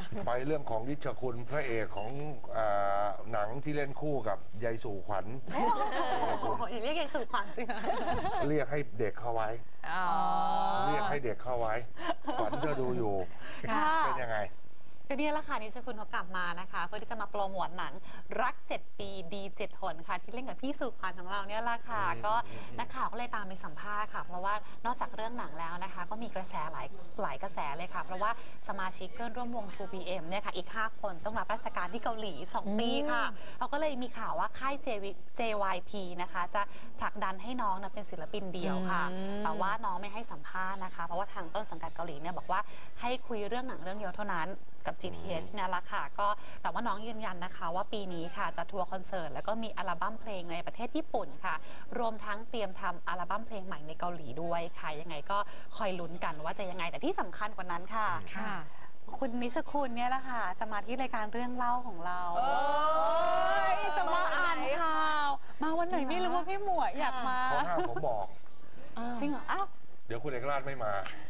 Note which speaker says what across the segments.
Speaker 1: ไปเรื่องของนิชคุณพระเอกของหนังที่เล่นคู่กับยายสู่ขวัญ
Speaker 2: โอ้โหอย่าเรียกยายสู่ขวัญจริง
Speaker 1: เรียกให้เด็กเข้าไว้เรียกให้เด็กเข้าไว้ขวัญเธอดูอยู่เป็นยังไง
Speaker 2: ก็นี่แหละค่ะนิชคุณเขากลับมานะคะเพื่อที่จะมาโปรโมทหนังรัก7 ปีดี7 หนค่ะที่เล่นกับพี่สุขวัญของเราเนี่ยแหละค่ะก็นักข่าวก็เลยตามไปสัมภาษณ์ค่ะเพราะว่านอกจากเรื่องหนังแล้วนะคะก็มีกระแสหลายกระแสเลยค่ะเพราะว่าสมาชิกเพื่อนร่วมวง 2PM เนี่ยค่ะอีก5 คนต้องรับราชการที่เกาหลี2 ปีค่ะเราก็เลยมีข่าวว่าค่าย JYP นะคะจะผลักดันให้น้องนะเป็นศิลปินเดี่ยวค่ะแต่ว่าน้องไม่ให้สัมภาษณ์นะคะเพราะว่าทางต้นสังกัดเกาหลีเนี่ยบอกว่าให้คุยเรื่องหนังเรื่องเดียวเท่านั้นกับ GTH เนี่ยละค่ะก็แต่ว่าน้องยืนยันนะคะว่าปีนี้ค่ะจะทัวร์คอนเสิร์ตแล้วก็มีอัลบั้มเพลงในประเทศญี่ปุ่นค่ะรวมทั้งเตรียมทำอัลบั้มเพลงใหม่ในเกาหลีด้วยค่ะยังไงก็คอยลุ้นกันว่าจะยังไงแต่ที่สำคัญกว่านั้นค่ะคุณนิชคุณเนี่ยแหละค่ะจะมาที่รายการเรื่องเล่าของเราจะมาอ่านข่าวมาวันไหนไม่รู้ว่าพี่หมวยอยากมา
Speaker 1: เขาห้ามผมบอก
Speaker 2: จริงเหรออ้าว
Speaker 1: เดี๋ยวคุณเอกราชไม่มา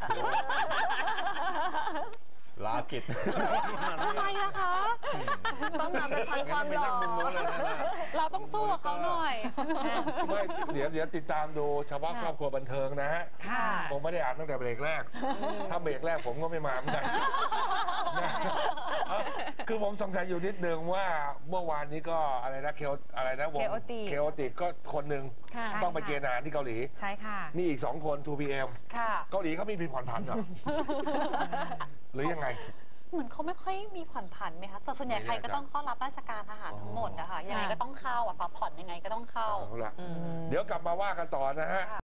Speaker 3: ลากิจ
Speaker 2: ทำไมอะคะต้องนำไปพันความหล่อเราต้องสู้กับเขาหน่อย
Speaker 1: ไม่เดี๋ยวติดตามดูเฉพาะครอบครัวบันเทิงนะฮะผมไม่ได้อ่านตั้งแต่เบรกแรกถ้าเบรกแรกผมก็ไม่มาเหมือนกันคือผมสงสัยอยู่นิดนึงว่าเมื่อวานนี้ก็อะไรนะอะไรนะวงเคโอติกก็คนหนึ่งต้องไปเกณฑ์ทหารที่เกาหลี
Speaker 2: ใช่ค่ะ
Speaker 1: นี่อีก2 คน 2PM เกาหลีเขามีผ่อนผันเหรอหรือยังไง
Speaker 2: เหมือนเขาไม่ค่อยมีผ่อนผันไหมคะแต่ส่วนใหญ่ใครก็ต้องเข้ารับราชการทหารทั้งหมดนะคะยังไงก็ต้องเข้าผ่อนยังไงก็ต้องเข้า
Speaker 1: เดี๋ยวกลับมาว่ากันต่อนะฮะ